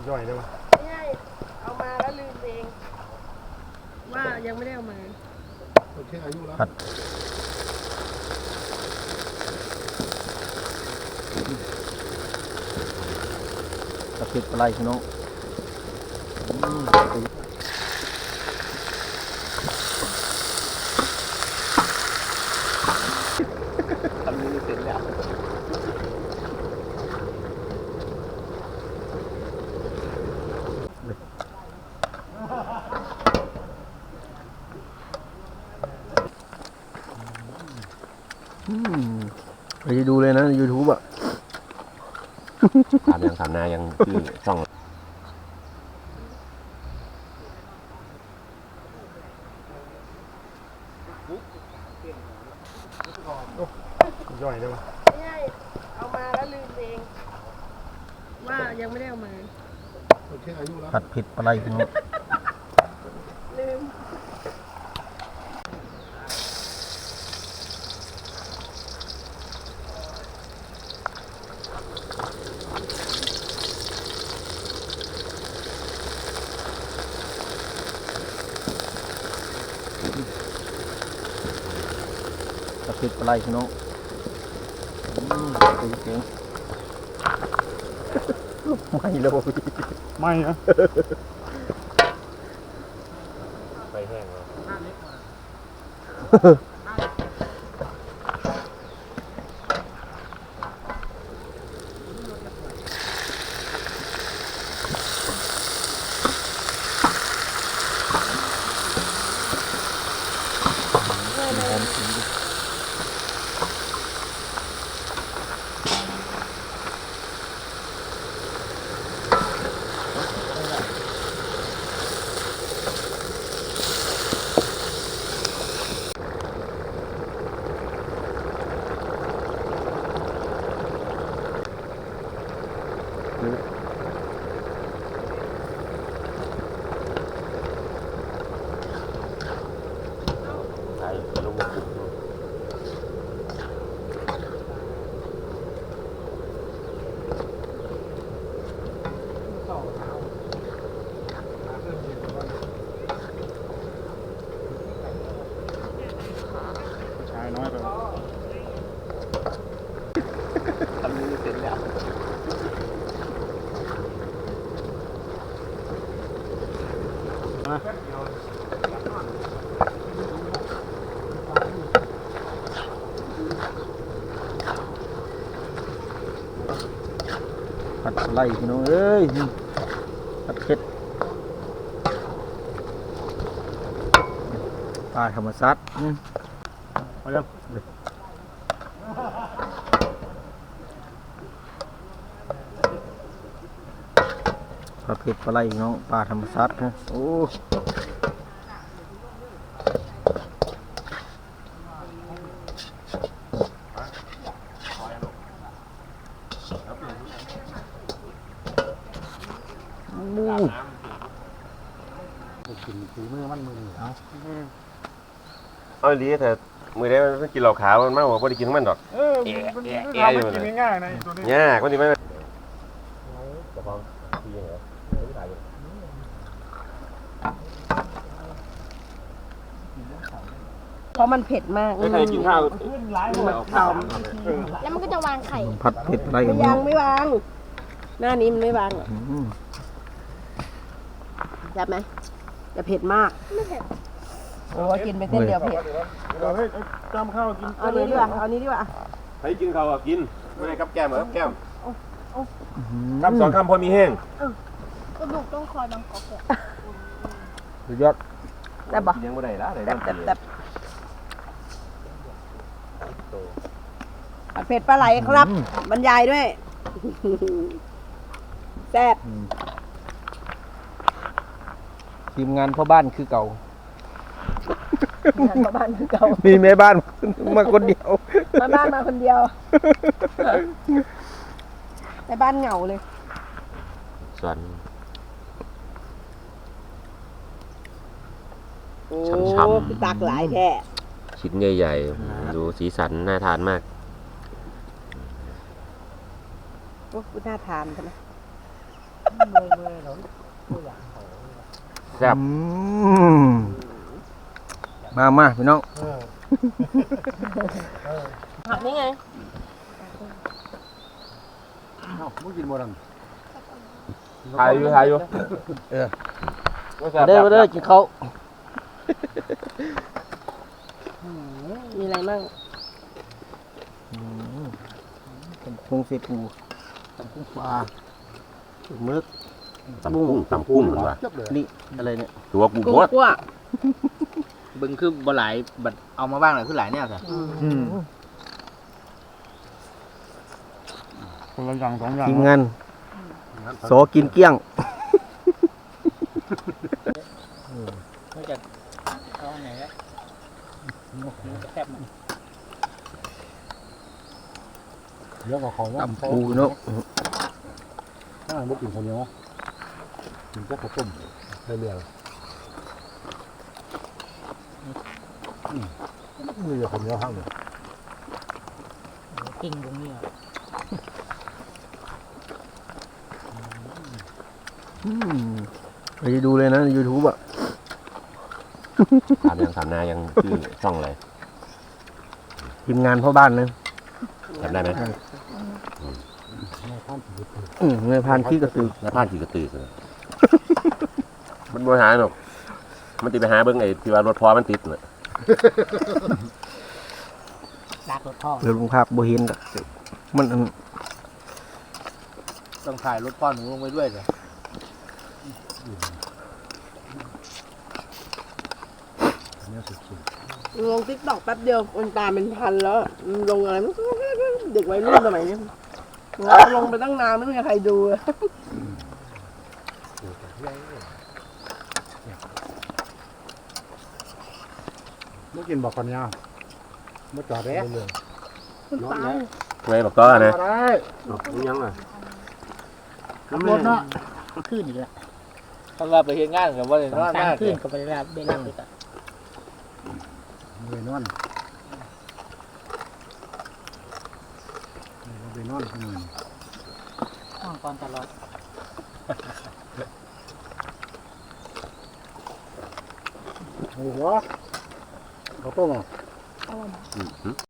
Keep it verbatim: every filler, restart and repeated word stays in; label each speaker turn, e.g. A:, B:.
A: ย่อยได้ไหม
B: ไม่ใช่เอามาแล้วลืมเองว่ายังไม่ได้เอามา
A: โอเคอายุแล้ว
C: ผัดกระเทียมอะไรพี่น้องทำนี้เสร็จแล้วไปดูเลยนะยูทูบอ่ะ
D: ถามยังถามนายังคือช่อง
A: ย่อยได้ไหม
B: ไม่ใช่เอามาแล้วลืมเองว่ายังไม่ได้เอามา
A: โอเคอายุแล้ว
C: ผัดเผ็ดอะไรพี่น้อง
B: ลืม
C: กระเทียมอะไรพี่น้องตีเก่งไม่เลย
A: ไม่นะ
D: ไปแห้งแล้วใช่ลูกบุก
A: ชายน้อยไป
C: ทำนี้เสร็จแล้วมาผัดอะไรพี่น้องเอ้ยผัดเผ็ดปลาธรรมชาติ
A: มายัง
C: ผัดเผ็ดปลาไหลพี่น้องปลาธรรมชาตินะโอ้
A: กินฝีมือมันมือเอา
D: เอาดีแต่มือได้มันกินเหล้าขาวมันมากกว่าพอได้กินมันดอก
A: เออมันทำมันกินง่ายๆนะตัวนี้
D: ยากมันจะไม่จะฟังทีเหรอ
B: เพราะมันเผ็ดมาก
D: ไม่ใครกินข้าว
B: ข้าวแล้วมันก็จะวางไข่
C: ผัดเผ็ดอะไรกัน
B: ยังไม่วางหน้านี้มันไม่วางหรอกจับไหมจะเผ็ดมากไม่เผ็ดโอ้กินไปเส้นเดียวเผ็ด
A: เฮ้ยจำข้าวกิน
B: เอานี้ดีกว่าเอานี้ดีกว่า
D: ให้กินข้าวกินไม่ได้กับแก้มเหรอแก้มคำสองคำพอมีแห้ง
B: กระดูกต้องคอยบางกอก
C: สุดยอด
B: แต่บ่
D: ยังไม่ได้ละ
B: แต่แต่แต่เผ็ดปลาไหลครับบรรยายด้วยแซ่บ
C: ทีมงานพ่อบ้านคือเก่า
B: ทีมงานพ่อบ้านคือเก่า
C: มีแม่บ้านมาคนเดียว
B: แม่บ้านมาคนเดียวแม่บ้านเหงาเลย
D: ส่วน
B: ช้ำๆคือตักหลายแท้
D: ชิ้นใหญ่ๆดูสีสันน่าทานมาก
B: โอ้น่าทานใช่ไหม
D: ซ่บ
C: อืมมามาพี่น้อง
B: ผักนี่ไง
A: เอ้ามึงกินบ่ดัน
D: ทายอยู่ทายอยู่
C: เออ
D: บ่แซ่
C: มา
D: บ
C: เด้อมาเด้อกินข้าว
B: มีอะไรบ้าง
C: พุงเสปูตำกุ้งปลามึก
D: ตำกุ้งตำกุ้งเหมือนว่า
A: จับเลย
C: นี่อะไรเนี่ย
D: ตัวกู
B: กุ้ง
D: โคตร
B: คั่ว
E: บึงคือบ่หลายบัดเอามาบ้างหน่อยคือหลายแนวจ้ะ
A: อืมคนละอย่างสองอย่าง
C: ทีมงานโสกินเกลี้ยง
E: นอกจากเอาไหนก็แซ่บ
A: เดี๋ยวก็ของว่า
C: ตำปูเนาะ
A: ถ้าบ่กินข้าวเหนียวกินแต่ข้าวต้มได้เรื่อยอืมนี่จะข้าวเหนียวข้างเดียว
E: กิ่งตรงนี้
C: อืมไปดูเลยนะยูทูบอ่ะ
D: ถามยังถามนายังชื่อช่องอะไร
C: ทีมงานพ่อบ้านนะ
D: จำได้ไหม
C: อืมเงยพานขี้กระตือ
D: น้าพานขี่กระตือเลยมันบ่หาหรอกมันติดไปหาเบิ่งไอ้ที่ว่ารถพอมันติดน่ะ
E: ลากรถพ่อ
C: เดี๋ยวลุงภาพโบเห็นกะมันอัน
E: ต้องถ่ายรถพ่อหนูลงไปด้วยเลย
B: ลงติ๊กต็อกแป๊บเดียวมันตามเป็นพันแล้วลงอะไรไม่รู้เด็กวัยรุ่นสมัยนี้ลงไปตั้งนานไม่มีใครดูเลย
A: บ่กินบ่ข้าวเหนียวบ่จอดได้เรื่อย
B: มันตาย
D: ไงบอกก็นะ
A: ได้
D: ยังอ่ะ
A: ขับรถเนาะ
E: ขึ้นอีกแล้วถ้าเราไปเฮ็ดงานกับว่าเลยนอนมากขึ้นก็ไปรับได้รับเลยจ้ะ
A: ไปนอนไปนอนอืม
E: นอนก่อนตลอด
A: โอ้โหข้าวต้มอ่ะ
D: อืม